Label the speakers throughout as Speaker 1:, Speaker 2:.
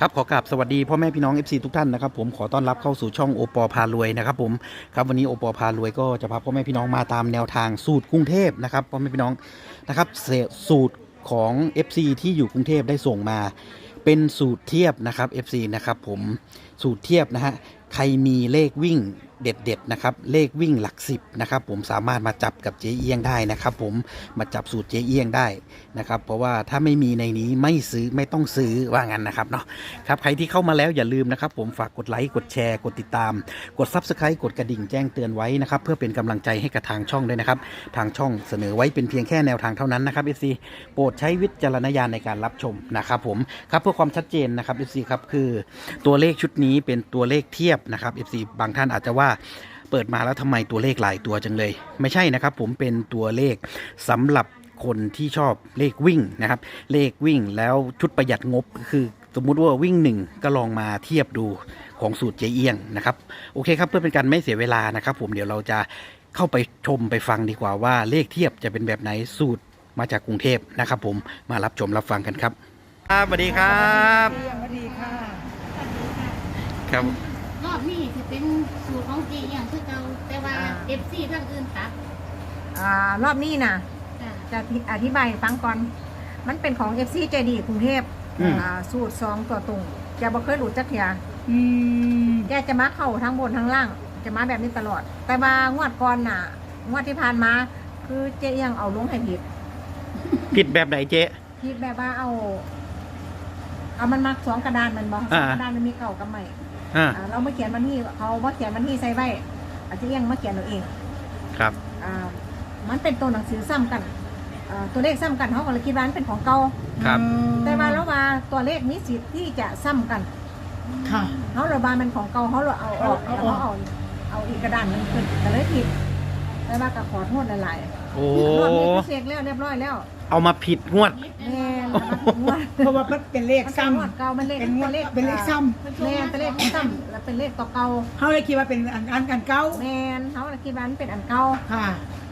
Speaker 1: ครับขอกราบสวัสดีพ่อแม่พี่น้อง FC ทุกท่านนะครับผมขอต้อนรับเข้าสู่ช่องโอปอพารวยนะครับผมครับวันนี้โอปอพารวยก็จะพาพ่อแม่พี่น้องมาตามแนวทางสูตรกรุงเทพนะครับพ่อแม่พี่น้องนะครับสูตรของ FC ที่อยู่กรุงเทพได้ส่งมาเป็นสูตรเทียบนะครับ FC นะครับผมสูตรเทียบนะฮะใครมีเลขวิ่งเด็ดๆนะครับเลขวิ่งหลัก10นะครับผมสามารถมาจับกับเจ๊เอี้ยงได้นะครับผมมาจับสูตรเจ๊เอี้ยงได้นะครับเพราะว่าถ้าไม่มีในนี้ไม่ซื้อไม่ต้องซื้อว่างั้นนะครับเนาะครับใครที่เข้ามาแล้วอย่าลืมนะครับผมฝากกดไลค์กดแชร์กดติดตามกด Subscribe กดกระดิ่งแจ้งเตือนไว้นะครับเพื่อเป็นกำลังใจให้กับทางช่องด้วยนะครับทางช่องเสนอไว้เป็นเพียงแค่แนวทางเท่านั้นนะครับ FC โปรดใช้วิจารณญาณในการรับชมนะครับผมครับเพื่อความชัดเจนนะครับ FC ครับคือตัวเลขชุดนี้เป็นตัวเลขเทียบนะครับ FC บางท่านอาจจะว่าเปิดมาแล้วทำไมตัวเลขหลายตัวจังเลยไม่ใช่นะครับผมเป็นตัวเลขสำหรับคนที่ชอบเลขวิ่งนะครับเลขวิ่งแล้วชุดประหยัดงบคือสมมุติว่าวิ่ง1ก็ลองมาเทียบดูของสูตรเจ๊เอี้ยงนะครับโอเคครับเพื่อเป็นการไม่เสียเวลานะครับผมเดี๋ยวเราจะเข้าไปชมไปฟังดีกว่าว่าเลขเทียบจะเป็นแบบไหนสูตรมาจากกรุงเทพนะครับผมมารับชมรับฟังกันครับสวัสดีครับ
Speaker 2: สวัสดีค่ะ
Speaker 1: ครับ
Speaker 3: รอบนี้จะเป็นสูตรของเจีอย่างคือเก่าแต่ว่าFC ทางอื่นตัด
Speaker 2: รอบนี้นะ
Speaker 3: จ้ะ
Speaker 2: จะอธิบายให้ฟังก่อน มันเป็นของ FC ใจดีกรุงเทพสูตร2ตัวตรงแกบ่เคยหลุดจักเทียแกจะมาเข้าทั้งบนทั้งล่าง จะมาแบบนี้ตลอด แต่ว่างวดก่อนน่ะงวดที่ผ่านมา คือเจ๊ยังเอาลงให้ผิด
Speaker 1: ผิดแบบไหนเจ๊
Speaker 2: ผิดแบบว่าเอามันมา2กระดานมันบ่สองกระดานมันมีเก่ากับใหม่เรามาเขียนวันที่เขามาเขียนวันที่ใส่ไว้อาจจะยังมาเขียนเราเอง
Speaker 1: ครับ
Speaker 2: มันเป็นตัวหนังสือซ้ำกันตัวเลขซ้ำกันเขาก็เลยคิดว่ามันเป็นของเก่า
Speaker 1: ครับ
Speaker 2: แต่ว่าแล้วว่าตัวเลขมีสิทธิ์ที่จะซ้ำกัน
Speaker 4: ค่ะ
Speaker 2: เขาเราบานเป็นของเก่าเขาเราเอาออกแล้วเขาเอาอีกกระดานหนึงขึ้นแต่เลยผิดแต่ว่าก็ขอโทษหลาย
Speaker 1: โอ้
Speaker 2: ๆรอบนี้ก็เช็คแล้วเรียบร้อยแล้ว
Speaker 1: เอามาผิดงวด
Speaker 2: แม่งวด
Speaker 4: เพราะว่ามันเป็นเลข
Speaker 2: มันเป็น
Speaker 4: ซ้
Speaker 2: งวดเก่ามันเลข
Speaker 4: เป็นงวด
Speaker 2: เลข
Speaker 4: เป็นเลขซ้
Speaker 2: แม่นเป็นเลขซ้ำแล้วเป็นเลขตัวเก่า
Speaker 4: ำเขาเลยคิดว่าเป็นอันเก่า
Speaker 2: แม่นเขาเลยคิดว่ามันเป็นอันเก่า
Speaker 4: ค่ะ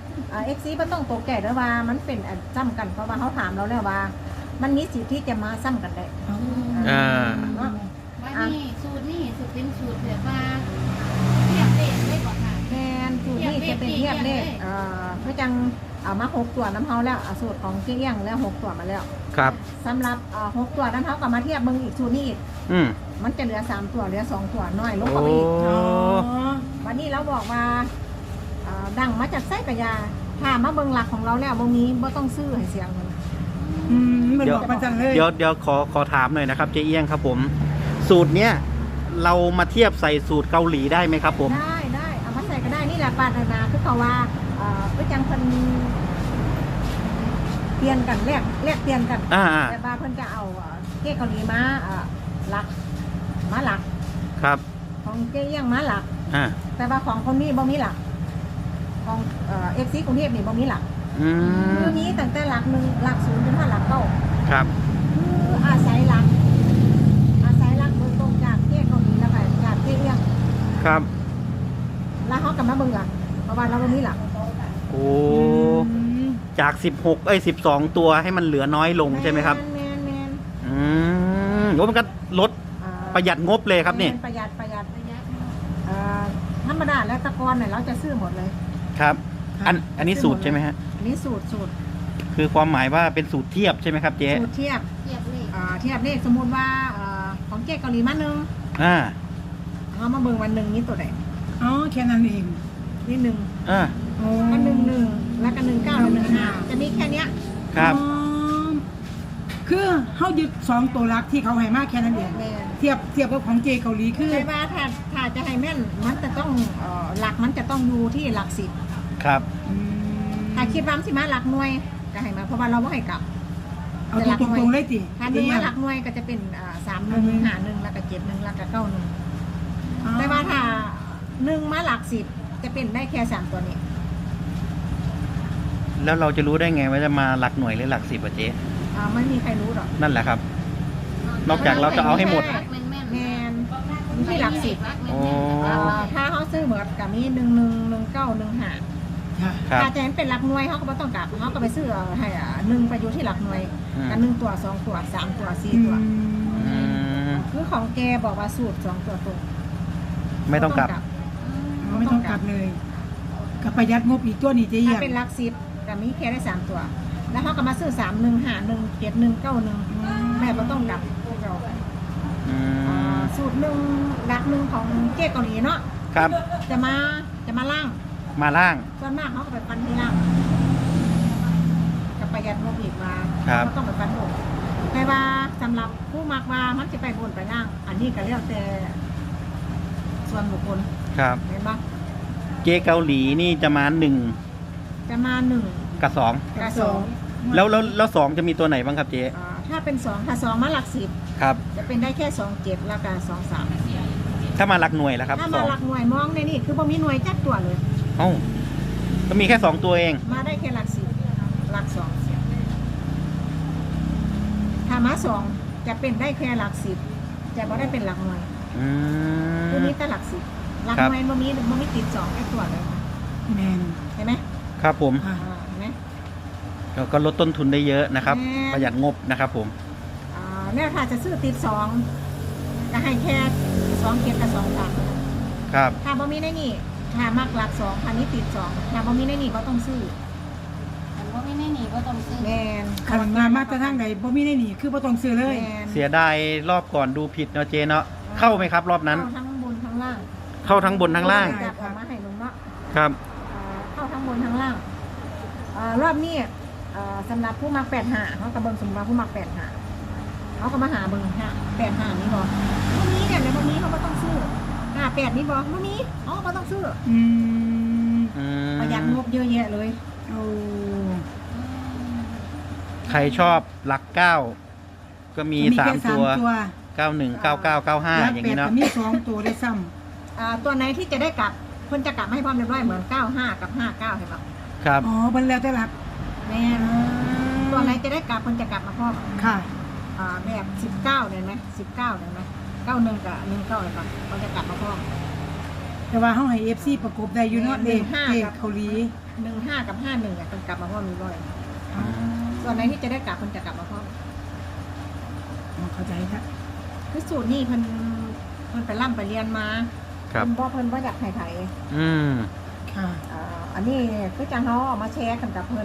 Speaker 2: FC ก็ต้องตกใจด้วยว่ามันเป็นอันซ้ำกันเพราะว่าเขาถามเราแล้วว่า มันมีสิทธิ์ที่จะมาซ้ำกันได้
Speaker 1: อ่า
Speaker 2: เนาะ
Speaker 3: วันนี้สูตรนี้สูตรเป็นสูตรแบบว่าเทียบเลขได้ก่อนค่ะ
Speaker 2: แทนสูตรนี้จะเป็นเทียบเลขเพื่อจังเอามา6ตัวน้ำเฮาแล้วสูตรของเกี้ยงแล้ว6ตัวมาแล้ว
Speaker 1: ครับ
Speaker 2: สำหรับ6ตัวน้ำเฮากับมาเทียบมึงอีกสูตรนี้อีก
Speaker 1: อืม
Speaker 2: มันจะเหลือ3ตัวเหลือ2ตัวน้อยลง
Speaker 1: โอ้
Speaker 2: กว่าอีก
Speaker 4: อ๋อ
Speaker 2: วันนี้เราบอกว่าดังมาจากไส้กระยาถ้ามาเบิ่งหลักของเราแล้วบางนี้บ่ต้องซื้อให้เสียงเงิน
Speaker 4: มันบอกมาจังเลย
Speaker 1: เดี๋ยวขอถามหน่อยนะครับเจ๊เอี้ยงครับผม สูตรเนี้ยเรามาเทียบใส่สูตรเกาหลีได้ไหมครับผม
Speaker 2: ได้เอามาใส่ก็ได้นี่แหละปาถนาคือเขาว่าเพื่อจังเพิ่นเปลี่ยนกันแลกเปลี่ยนกัน
Speaker 1: อ่า
Speaker 2: แต่ว่าเพิ่นจะเอาเก้เกาหลีมาหลักมาหลัก
Speaker 1: ครับ
Speaker 2: ของเก้เอี้ยงมาหลัก
Speaker 1: อ่า
Speaker 2: แต่ว่าของคนนี้บ่มีหลักของFC กรุงเทพนี่บ่มีหลัก
Speaker 1: อืม
Speaker 2: คือมีตั้งแต่หลัก1หลัก0จนถึงหลัก9
Speaker 1: ครับ
Speaker 2: คืออาศัยหลักโดยตรงจากเก้เกาหลีแล้วก็จากเก้เอี้ยง
Speaker 1: ครับ
Speaker 2: แล้วเฮากลับมาเบิ่งหลักเพราะว่าเราบ่มีหลัก
Speaker 1: โอ้จาก12ตัวให้มันเหลือน้อยลงใช่ไหมครับ
Speaker 2: แม่น
Speaker 1: อืมโอ้มันก็ลดประหยัดงบเลยครับนี่
Speaker 2: ประหยัด
Speaker 3: ระยะ
Speaker 2: ธรรมดาแล้วตะกอนเนี่ยเราจะซื้อหมดเลย
Speaker 1: ครับ อันนี้สูตรใช่ไหมฮะ
Speaker 2: อันนี้สูตร
Speaker 1: คือความหมายว่าเป็นสูตรเทียบใช่ไหมครับเจ๊
Speaker 2: สูตรเทียบ
Speaker 3: เทียบเลข
Speaker 2: เทียบเลขสมมุติว่าของเก๊เกาหลีมาหนึ่ง
Speaker 1: อ่า
Speaker 2: เอามาเบิ่งวันหนึ่งนี่ตัวไหน
Speaker 4: อ๋อแค่นั้นเอง
Speaker 2: นี่หนึ่ง
Speaker 1: อ่า
Speaker 4: โอ้
Speaker 2: ก็1 1แล้วก็19แล้ว1 5จะมีแค่เนี้ย
Speaker 1: ครับ
Speaker 4: อ๋อคือเขายึด2ตัวรักที่เขาให้มาแค่นั้นเอง
Speaker 2: แม่น
Speaker 4: เทียบกับของเจเกาหลีคือ
Speaker 2: ใช่ว่าถ้าจะให้แม่นมันจะต้องหลักมันจะต้องอยู่ที่หลัก10
Speaker 1: ครับ
Speaker 2: ถ้าคิดว่ามันสิมาหลักหน่วยก็ให้มาเพราะว่าเราบ่ให้กลับ
Speaker 4: เอาตรงๆเลยติ
Speaker 2: ถ้าดึงมาหลักหน่วยก็จะเป็น3 1 5 1แล้วก็7 1แล้วก็9 1แต่ว่าถ้า1มาหลัก10จะเป็นได้แค่3ตัวนี้
Speaker 1: แล้วเราจะรู้ได้ไงว่าจะมาหลักหน่วยหรือหลัก10อ่ะเจ๊
Speaker 2: ไม่มีใครรู้หรอก
Speaker 1: นั่นแหละครับ นอกจากเราจะเอาให้หมด
Speaker 3: แม่น
Speaker 2: แมนมีที่หลักสิบ
Speaker 1: โอ้
Speaker 2: ถ้าเขาซื้อเหมือนกับมี111915
Speaker 4: ค่ะ
Speaker 1: ครับ
Speaker 2: ถ้าจะเห็นเป็นหลักหน่วยเขาก็ไม่ต้องกลับเขาก็ไปซื้อให้1ไปอยู่ที่หลักหน่วยกัน1ตัว2ตัว3ตัว4ตัว
Speaker 1: อืม
Speaker 2: คือของแกบอกว่าสูตร2ตัวตรง
Speaker 1: ไม่ต้องกลับ
Speaker 4: ไม่ต้องกลับเลยกับประหยัดงบอีกตัวนี้เจ๊เอี่
Speaker 2: ถ้าย
Speaker 4: ม
Speaker 2: เป็นหลักสิบก็มีแค่ได้3ตัว แล้วเขาก็มาซื้อ31517191แม่บ่ต้องกลับเรา
Speaker 1: อืม
Speaker 2: สูตรหลักหนึ่งของเจ๊เกาหลีเนาะ
Speaker 1: ครับ
Speaker 2: จะมาล่าง
Speaker 1: มาล่าง
Speaker 2: ส่วนมากเขาก็ไปฟันที่ล่างกับประหยัดงบอีกว่า
Speaker 1: ครับ
Speaker 2: ก็ต้องไปฟันบนแต่ว่าสำหรับผู้มักว่ามันจะไปบนไปล่าง อันนี้ก็แล้วแต่ส่วนบุคคล
Speaker 1: ครับ
Speaker 2: เห็นปะ
Speaker 1: เจ๊เกาหลีนี่จะมา1
Speaker 2: จะมา1
Speaker 1: กับ
Speaker 2: กับ2
Speaker 1: แล้ว2จะมีตัวไหนบ้างครับเจ๊
Speaker 2: ถ้าเป็น2ถ้า2มาหลักสิบ
Speaker 1: ครับ
Speaker 2: จะเป็นได้แค่27แล้วก็23
Speaker 1: ถ้ามาหลักหน่วยแล้วครับ
Speaker 2: ถ้ามาหลักหน่วยมองในนี่คือบ่มีหน่วยจักตัวเลย
Speaker 1: เอ้าก็มีแค่2ตัวเอง
Speaker 2: มาได้แค่หลักสิบหลัก2ถ้ามา2จะเป็นได้แค่หลักสิบจะบ่ได้เป็นหลักหน่วย
Speaker 1: อืม
Speaker 2: คือมีแต่หลักสิบหลัก
Speaker 1: ครับ
Speaker 2: หน่วยบ่มีติด2แค่ตัวเลยค่ะ
Speaker 4: แมน
Speaker 2: เห็นไหม
Speaker 1: ครับผม
Speaker 4: ค่ะ
Speaker 2: เห็นไหม
Speaker 1: ก็ลดต้นทุนได้เยอะนะครับ
Speaker 2: แม่
Speaker 1: ประหยัดงบนะครับผม
Speaker 2: เนี่ยถ้าจะซื้อติด2ก็ให้แค่2เกียรกับ2 3
Speaker 1: ครับ
Speaker 2: ถ้าบ่มีในนี่ถ้ามากหลัก2ถ้านี้ติด2ถ้าบ่มีในนี่ก็ต้องซื้อ
Speaker 3: แต่ว่าไม่แน่หนีก็ต้องซื้อ
Speaker 2: แมน
Speaker 4: ขันมามาแต่ทางใดบ่มีได้หนีคือบ่ต้องซื้อเลย
Speaker 2: แมน
Speaker 1: เสียดายรอบก่อนดูผิดเนาะเจ๊เนาะ เข้าไหมครับ รอบนั้น
Speaker 2: เข้าทั้งบนทั้งล่าง
Speaker 1: เข้าทั้งบนทั้งล่าง
Speaker 2: จับออกมาให้ลุงเนาะ
Speaker 1: ครับ
Speaker 2: เข้าทั้งบนทั้งล่างรอบนี้สำหรับผู้มัก85เขากับเบิ่งสำหรับผู้มัก85เขาก็มาหาเบิ่ง85นี่บ่บ่มีเนี่ยเดี๋ยวบ่มีเขาก็ต้องซื้อ58นี่บ่บ่มีอ๋อก็ต้องซื้อ
Speaker 4: อืม
Speaker 1: อืม
Speaker 2: ประหยัดงบเยอะแยะเลย
Speaker 4: โอ้
Speaker 1: ใครชอบหลัก9ก็มี
Speaker 4: แค่
Speaker 1: 3 ตัว
Speaker 4: ตัว
Speaker 1: 91 99 95 อย่างนี้เนาะ
Speaker 4: มี2ตัวได้ซ้ำ
Speaker 2: ตัวไหนที่จะได้กลับเพิ่นจะกลับมาให้พร้อมเรียบร้อยเหมือน95กับ59เห็นบ่
Speaker 1: ครับ
Speaker 4: อ๋อมันแล้วแต่หลัก
Speaker 2: แม่นตัวไหนจะได้กลับเพิ่นจะกลับมาพร้อม
Speaker 4: ค่ะ
Speaker 2: แบบ19เนี่ยไหม19เนี่ยไหม91กับ19เลยป่ะเขาจะกลับมาพร้อม
Speaker 4: แต่ว่าเฮาให้ FC ประกบได้อยู่เนาะเด็ก
Speaker 2: 15
Speaker 4: เด็กเกาหลี
Speaker 2: 15กับ51เนี่ยเพิ่นกลับมาพร้อมมีร้อย
Speaker 4: อ๋อ
Speaker 2: ตัวไหนที่จะได้กลับเพิ่นจะกลับมาพร้อม
Speaker 4: เข้าใจค่ะ
Speaker 2: คือสูตรนี่เพิ่นไปร่ำไปเรียนมา
Speaker 1: ครับ
Speaker 2: เพิ่นบ่อยากไถ่
Speaker 1: อืม
Speaker 4: ค่ะ
Speaker 2: อันนี้คือจังเขาเอามาแชร์กันกับเพิ่น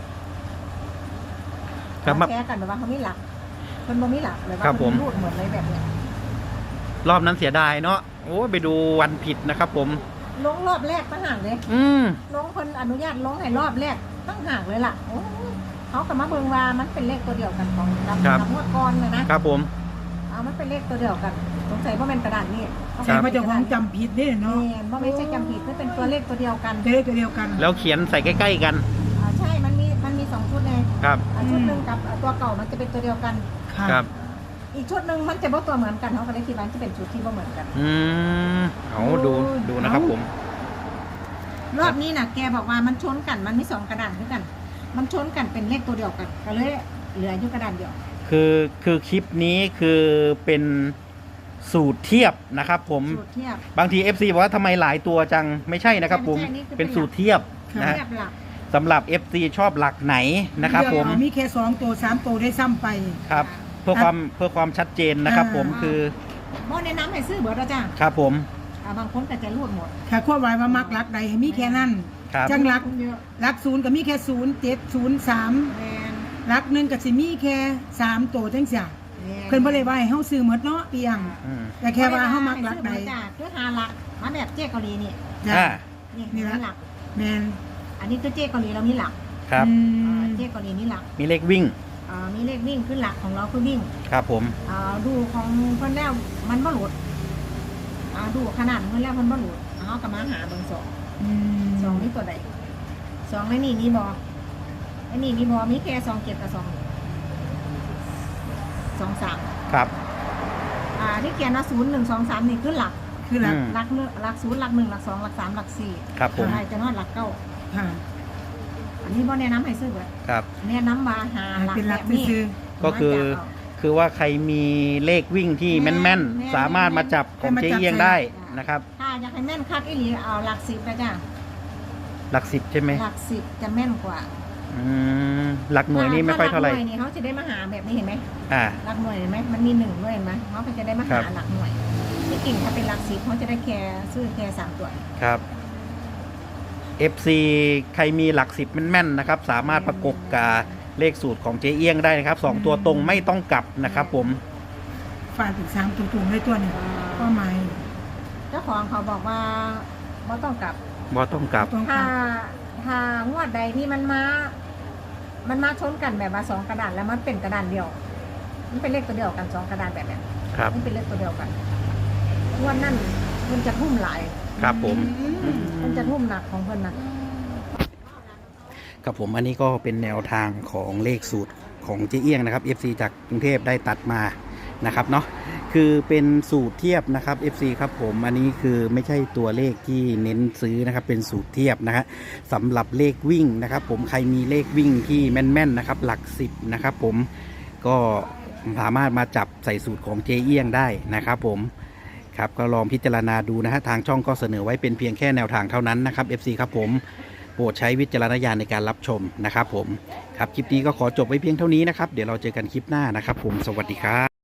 Speaker 1: ครับ
Speaker 2: มาแชร์กันแบบว่าเขามีหลักเพิ่นบ่มีหลักเลยว่า
Speaker 1: ครับผม
Speaker 2: เพิ่นรูดเหมือนเลยแบบเนี้ย
Speaker 1: รอบนั้นเสียดายเนาะ โอ้ไปดูวันผิดนะครับผม
Speaker 2: ลงรอบแรกตั้งห่างเลย
Speaker 1: อืม
Speaker 2: ลงเพิ่นอนุญาตลงให้รอบแรกตั้งห่างเลยล่ะโอ้เขาก็มาเบิ่งว่ามันเป็นเลขตัวเดียวกันของกับงวดก่อนเลยนะครับ
Speaker 1: ผม
Speaker 2: มันเป็นเลขตัวเดียวกันสงสัยว่าเป็นกระดาษนี่
Speaker 4: ใช่ว่าเจ้าของจำผิดเด้เนาะ
Speaker 2: นี่ว่าไม่ใช่จำผิดมันเป็นตัวเลขตัวเดียวกัน
Speaker 4: จะได้ตัวเดียวกัน
Speaker 1: แล้วเขียนใส่ใกล้ๆกัน
Speaker 2: ใช่มันมี2ชุดเลย
Speaker 1: ครับ
Speaker 2: ชุดหนึงกับตัวเก่ามันจะเป็นตัวเดียวกัน
Speaker 4: ค่ะ
Speaker 1: ครับ
Speaker 2: อีกชุดหนึงมันจะบ่ตัวเหมือนกันเขาก็เลยคิดว่าจะเป็นชุดที่บ่เหมือนกัน
Speaker 1: อืมเอาดูนะครับผม
Speaker 2: รอบนี้น่ะแกบอกว่ามันชนกันมันมี2กระดานด้วยกัน มันชนกันเป็นเลขตัวเดียวกันก็เลยเหลืออยู่กระดานเดียว
Speaker 1: คือคลิปนี้คือเป็นสูตรเทียบนะครับผม
Speaker 2: สูตรเทียบ
Speaker 1: บางที FC บอกว่าทำไมหลายตัวจังไม่ใช่นะครับผม
Speaker 2: ไม่ใช่นี่คือเป็
Speaker 1: เป็น
Speaker 2: น
Speaker 1: สูตรเทียบนะ
Speaker 2: เทียบหลัก
Speaker 1: สำหรับ FC ชอบหลักไหนนะครับผม
Speaker 4: เดี๋ยวมีแค่2ตัว3ตัวได้ซ้ำไป
Speaker 1: ครับ เพื่อความชัดเจนนะครับผมคือ
Speaker 2: บ่แนะนำให้ซื้อเบิดแล้วจ้า
Speaker 1: ครับผม
Speaker 2: บางคนก็จะรูดหมด
Speaker 4: ค่ะควบไว้ว่ามักรักใดให้มีแค่นั้น
Speaker 1: ครับ
Speaker 4: จังรัก
Speaker 2: เยอะ
Speaker 4: รัก0ก็มีแค่0 7 0 3
Speaker 2: แมน
Speaker 4: รัก1ก็สิมีแค่3ตัวจังซี่เพิ่นบ่ได้ว่าให้เฮาซื้อหมดเนาะเปียง
Speaker 1: อืม
Speaker 4: แต่แค่ว่าเฮามักรักใด
Speaker 2: จ้าคือหาหลักมาแบบเจ๊เกาหลีนี่
Speaker 4: จ้ะ
Speaker 1: อ่า
Speaker 2: นี่
Speaker 4: นี่ละ
Speaker 2: หลัก
Speaker 4: แม่น
Speaker 2: อันนี้คือเจ๊เกาหลีเรามีหลัก
Speaker 1: ครับ
Speaker 4: อืม
Speaker 2: เจ๊เกาหลีนี่หลัก
Speaker 1: มีเลขวิ่ง
Speaker 2: มีเลขวิ่งคือหลักของเราคือวิ่ง
Speaker 1: ครับผม
Speaker 2: ดูของเพิ่นแล้วมันบ่หลุดดูขนาดเพิ่นแล้วมันบ่หลุดเอากลับมาหาเบิ่งสองนี่ตัวใด2ในนี่มีบ่ไอ้นี่มีบ่มีแค่2 7กับ2 3
Speaker 1: ครับ
Speaker 2: ที่เขียนว่า0 1 2 3นี่คือหลัก
Speaker 4: คือรัก
Speaker 1: อืม
Speaker 2: หลัก1หลัก0หลัก1หลัก2หลัก3หลัก4
Speaker 1: ครับผม
Speaker 2: ใครจะนอนหลักเก้า
Speaker 4: ค่ะ
Speaker 2: อันนี้บ่แนะนำให้ซื้อเบิด
Speaker 1: ครับ
Speaker 2: แนะนำว่าหาหลัก
Speaker 4: เป็น
Speaker 2: แบ
Speaker 4: รัก
Speaker 2: บนี้
Speaker 4: ซื่อ
Speaker 1: ก็คือว่าใครมีเลขวิ่งที่แม่นๆ สามารถมาจับของเจ๊เอียงได้นะครับ
Speaker 2: ถ้าอยากให้แม่นคักอีหลีเอาหลัก10ไปจ้ะ
Speaker 1: หลัก10ใช่ไหม
Speaker 2: หลัก10จะแม่นกว่า
Speaker 1: หลักหน่วยนี่ไม่ค่อยเท่าไหร่
Speaker 2: หลักหน่วยนี่เขาจะได้มาหาแบบนี้เห็นไหม
Speaker 1: อ่า
Speaker 2: หลักหน่วยเห็นไหมมันมี1ด้วยเห็นไหมเขาก็จะได้มา
Speaker 1: ครั
Speaker 2: หา
Speaker 1: บ
Speaker 2: หลักหน่วยที่กิ่งถ้าเป็นหลัก10เขาจะได้แค่ซื้อแค่3ตัว
Speaker 1: ครับ FC ใครมีหลัก10แม่นๆนะครับ สามารถประกบกับเลขสูตรของเจ๊เอี้ยงได้นะครับ2ตัวตรงไม่ต้องกลับนะครับผม
Speaker 4: ฟาดถึง3ตัวๆได้ตัวหนึงก็หมาย
Speaker 2: เจ้าของเขาบอกว่าไม่ต้องกลับ
Speaker 1: บ่ต้องกลับ
Speaker 4: ต้อง
Speaker 2: ถ้า
Speaker 4: การ
Speaker 2: ถ้างวดใดที่มันมาชนกันแบบว่า2กระดานแล้วมันเป็นกระดานเดียว มันเป็นเลขตัวเดียวกัน2กระดานแบบเนี้ย
Speaker 1: ครับ
Speaker 2: มันเป็นเลขตัวเดียวกันงวดนั่นมันจะทุ่มหลาย
Speaker 1: ครับผม
Speaker 2: มันจะทุ่มหนักของเพิ่นนะ
Speaker 1: ครับผมอันนี้ก็เป็นแนวทางของเลขสูตรของเจ๊เอี้ยงนะครับ FC จากกรุงเทพได้ตัดมานะครับเนาะคือเป็นสูตรเทียบนะครับ FC ครับผมอันนี้คือไม่ใช่ตัวเลขที่เน้นซื้อนะครับเป็นสูตรเทียบนะฮะสำหรับเลขวิ่งนะครับ ผมใครมีเลขวิ่งที่แม่นๆนะครับหลัก10นะครับผมก็สามารถมาจับใส่สูตรของเจ๊เอี้ยงได้นะครับผมครับก็ลองพิจารณาดูนะฮะทางช่องก็เสนอไว้เป็นเพียงแค่แนวทางเท่านั้นนะครับ FC ครับผมโปรดใช้วิจารณญาณในการรับชมนะครับผมครับคลิปนี้ก็ขอจบไว้เพียงเท่านี้นะครับเดี๋ยวเราเจอกันคลิปหน้านะครับผมสวัสดีครับ